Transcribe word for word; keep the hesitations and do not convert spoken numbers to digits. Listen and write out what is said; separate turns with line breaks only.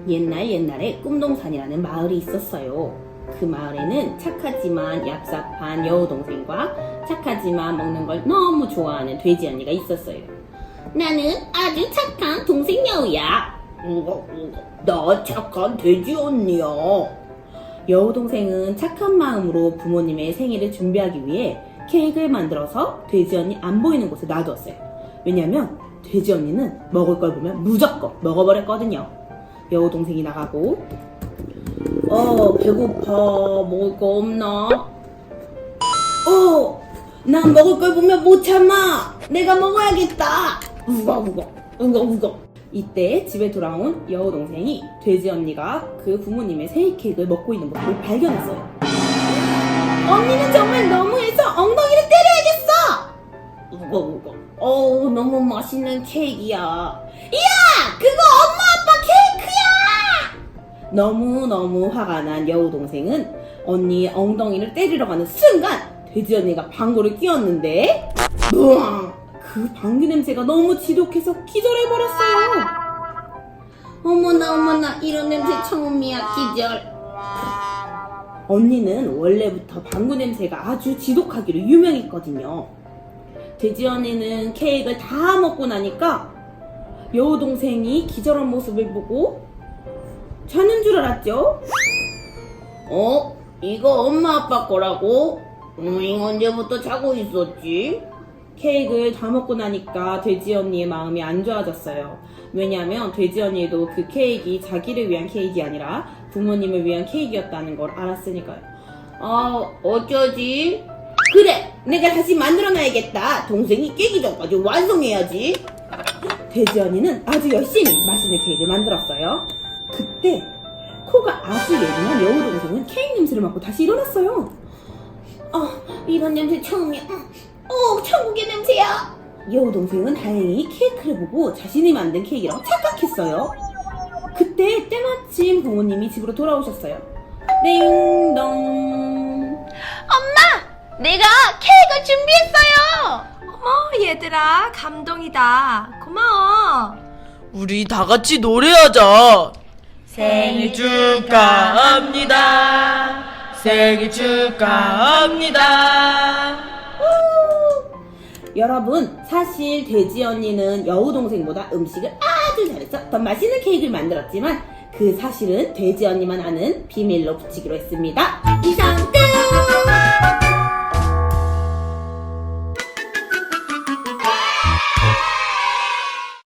옛날 옛날에 꿈동산이라는 마을이 있었어요. 그 마을에는 착하지만 얍삽한 여우동생과 착하지만 먹는 걸 너무 좋아하는 돼지 언니가 있었어요. 나는 아주 착한 동생 여우야. 나 착한 돼지 언니야. 여우동생은 착한 마음으로 부모님의 생일을 준비하기 위해 케이크를 만들어서 돼지 언니 안 보이는 곳에 놔두었어요. 왜냐면 돼지 언니는 먹을 걸 보면 무조건 먹어버렸거든요. 여우동생이 나가고 어 배고파 먹을 거 없나? 어 난 먹을 걸 보면 못 참아. 내가 먹어야겠다. 우거 우거 우거 우거. 이때 집에 돌아온 여우동생이 돼지 언니가 그 부모님의 생일 케이크를 먹고 있는 모습을 발견했어요. 언니는 정말 너무해서 엉덩이를 때려야겠어. 우거 우거. 어우 너무 맛있는 케이크야. 이야 그거 엄마 아빠 케이크야. 너무너무 화가 난 여우동생은 언니의 엉덩이를 때리러 가는 순간 돼지 언니가 방구를 끼웠는데 으앙! 그 방귀 냄새가 너무 지독해서 기절해버렸어요. 어머나 어머나 이런 냄새 처음이야. 기절. 언니는 원래부터 방구 냄새가 아주 지독하기로 유명했거든요. 돼지 언니는 케이크를 다 먹고 나니까 여우동생이 기절한 모습을 보고 자는 줄 알았죠? 어? 이거 엄마 아빠 거라고? 음, 이거 언제부터 자고 있었지? 케이크를 다 먹고 나니까 돼지 언니의 마음이 안 좋아졌어요. 왜냐하면 돼지 언니도 그 케이크가 자기를 위한 케이크가 아니라 부모님을 위한 케이크였다는 걸 알았으니까요. 아, 어쩌지? 그래! 내가 다시 만들어놔야겠다. 동생이 깨기 전까지 완성해야지. 돼지 언니는 아주 열심히 맛있는 케이크를 만들었어요. 그때 코가 아주 예민한 여우동생은 케이크 냄새를 맡고 다시 일어났어요. 아, 이런 냄새 처음이야. 어, 천국의 냄새야. 여우동생은 다행히 케이크를 보고 자신이 만든 케이크라고 착각했어요. 그때 때마침 부모님이 집으로 돌아오셨어요. 띵동.
엄마! 내가 케이크를 준비했어요!
어머 얘들아 감동이다. 고마워.
우리 다 같이 노래하자. 생일 축하합니다. 생일 축하합니다.
여러분, 사실 돼지 언니는 여우동생보다 음식을 아주 잘해서 더 맛있는 케이크를 만들었지만 그 사실은 돼지 언니만 아는 비밀로 붙이기로 했습니다. 이상 끝!